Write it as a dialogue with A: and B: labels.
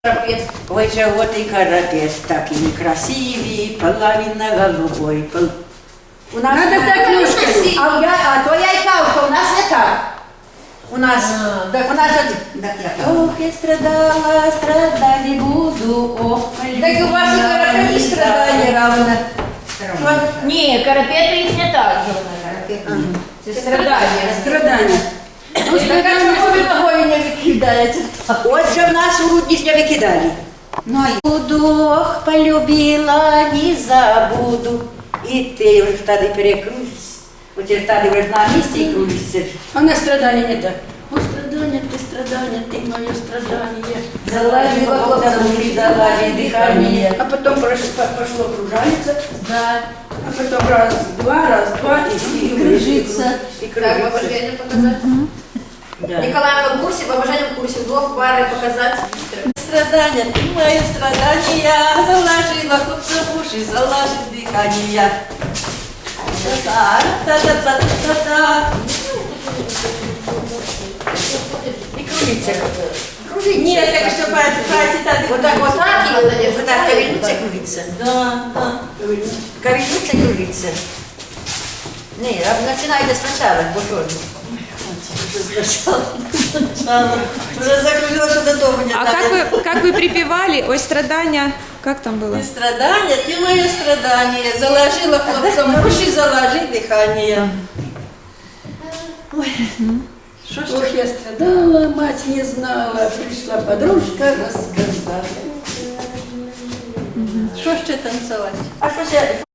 A: Ой, чего ты карапет, так и некрасивый, половинно-голубой. У нас
B: надо так ножками.
A: А твоя икалка у нас не так. У нас, у нас ох, я страдала, страдать не буду, ох,
B: Так у вас и карапет, и страдания равно.
C: Не, карапеты их не так же.
B: Страдания.
A: Ну,
B: Вы ногой не викидаєте.
A: Отже, в нас у рудник не викидали. Ну, а ох, полюбила, не забуду. И ты уже тогда перекрутись. У тебя тогда уже на месте и крутишься.
B: А на страдания не так. О, страдания, ты мое страдание.
A: Заложила хлопцам, заложи дыхание.
B: А потом пошло кружается.
A: Да.
B: А потом раз, два, и кружится.
A: И
D: Так,
A: кружится.
D: обожание показать.
A: Да.
D: Николаевна в курсе, в обожании в курсе. Блок пары показать.
A: Страдания, ты мои страдания, заложила хлопцам уши, заложи дыхание. Та-та-та-та-та-та-та. И кружится. Кружится. Нет, так что пальцы вот так вот так и вот так ковельнуться, кружится. Да, да. Ковельнуться, кружится. Не, начинайте сначала, боже. Сначала. Уже закружила, что до дома не
E: А как вы припевали? Ой, страдания. Как там было?
A: Ты страдания, ты мое страдание. Заложила хлопцам уши, заложи дыхание. Ой,
B: Ох, я страдала, мать не знала, пришла подружка, рассказала.
A: что ж тебе танцевать? А что